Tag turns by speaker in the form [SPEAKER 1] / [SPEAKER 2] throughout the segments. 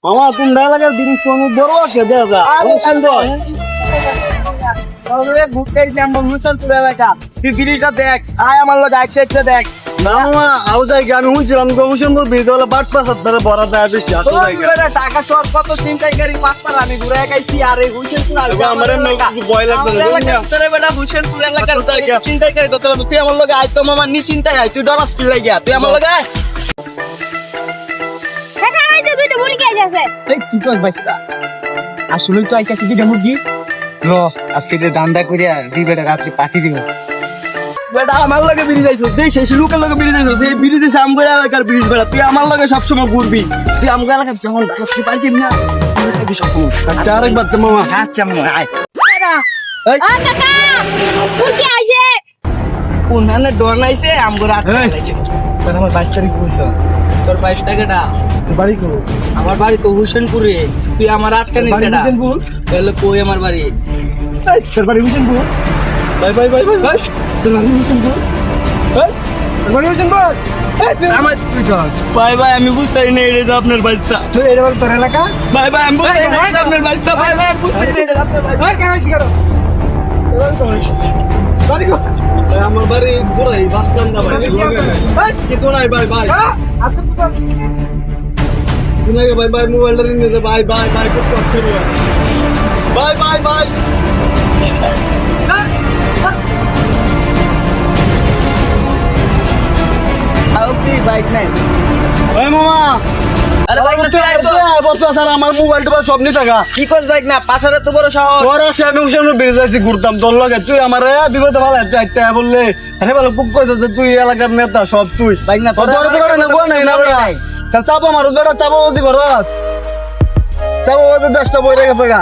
[SPEAKER 1] মামা তুমি এলাকার জিনিস তুমি বড় আছে দেখা ঘুরতে এলাকা তুই ব্রিজটা দেখ আয় আমার লোক এক সাইডটা দেখ না মামা আও যাই আমি শুনছিলাম গৌসেমপুর ব্রিজ হলো বাট পাস আপনারা বড় দেয় বেশি আসলে টাকা সব কত চিন্তাইকারী পাঁচবার আমি ঘুরে গাইছি আর এই হুসেনপুর আমার ভয় লাগবে তোরে বেটা হুসেনপুর এলাকার চিন্তাইকারী তো তুই আমার লোক আয় তো মামা নি চিন্তাই আয় তুই ডরাস কি লাগিয়া তুই আমার লোক আয় আসলেই তো আইতাছি কি মুরগি র আজকে যে দান্দা করিয়া দুই বেটা রাত্রি পাঠি দিব বেটা আমার লগে বিড়ি যাইছো দেই সেই লোকের লগে বিড়ি যাইছো সেই বিড়ি দিছে আমগো এলাকার ব্রিজ বেটা তুই আমার লগে সব সময় ঘুরবি তুই আমগো এলাকার যখন রাত্রি পাঠি না তুই সব সময় আচ্ছা আরেকবার তো মামা আচ্ছা মামা আয় এই
[SPEAKER 2] কাকা মুরগি আইছে
[SPEAKER 1] কোন হানে ডর নাইছে আমগো রাত লাইছে তোর আমার 22 তারিখ বলছো তোর 22 টাকাটা বাড়ি কো আমার বাড়ি তো হুসেনপুরে তুই আমার আটকানি কেডা হুসেনপুর তাহলে কই আমার বাড়ি এই তোর বাড়ি Husenpur bye bye bye bye তোর বাড়ি হুসেনপুর এই তোর বাড়ি হুসেনপুর আমার বাই বাই আমি বুঝতাই না এটা যে আপনার বাড়িটা তুই এটা বল তোর এলাকা বাই বাই আমি বুঝতাই না এটা আপনার বাড়িটা বাই বাই আমি বুঝতাই না এটা আপনার বাড়ি ভাই কেন কি করো বাড়ি কো আমার বাড়ি দূরাই বাস স্ট্যান্ড না ভাই কিছু নাই বাই বাই আচ্ছা ভাই ভাই মোবাইলটা নিয়ে যা ভাই ভাই ভাই খুব কষ্ট হবে ভাই ভাই ভাই আউটি বাইক নাই ওই মামা আরে বাইক না তুই আইছো বলতো স্যার আমার মোবাইলটা সব নিয়ে থাকা কি কস বাইক না পাশারে তো বড় শহর তোর আছে আমি উসেমপুর বেরিয়ে যাচ্ছি ঘুরতাম তোর লগে তুই আমার বিপদে ভালো একটা বললে আরে ভালো পুক কইছ যে তুই এলাকার নেতা সব তুই বাইক না তোর তো না গো নাই না ভাই তা চাপো মারো বেটা চাপো দি করস চাপো ওদের 10টা বই রেখে গেছে গা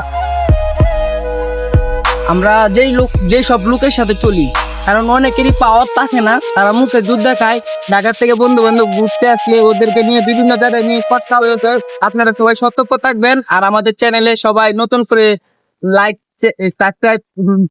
[SPEAKER 1] আমরা যেই সব লোকের সাথে চলি কারণ অনেকেরই পাওয়ার থাকে না তারা মুখে দুধ দেখায় ঢাকা থেকে বন্ধু বান্ধব ঘুরতে আসলে ওদেরকে নিয়ে বিভিন্ন জায়গায় নিয়ে কথা হয়েছে আপনারা সবাই সতর্ক থাকবেন আর আমাদের চ্যানেলে সবাই নতুন করে লাইক সাবস্ক্রাইব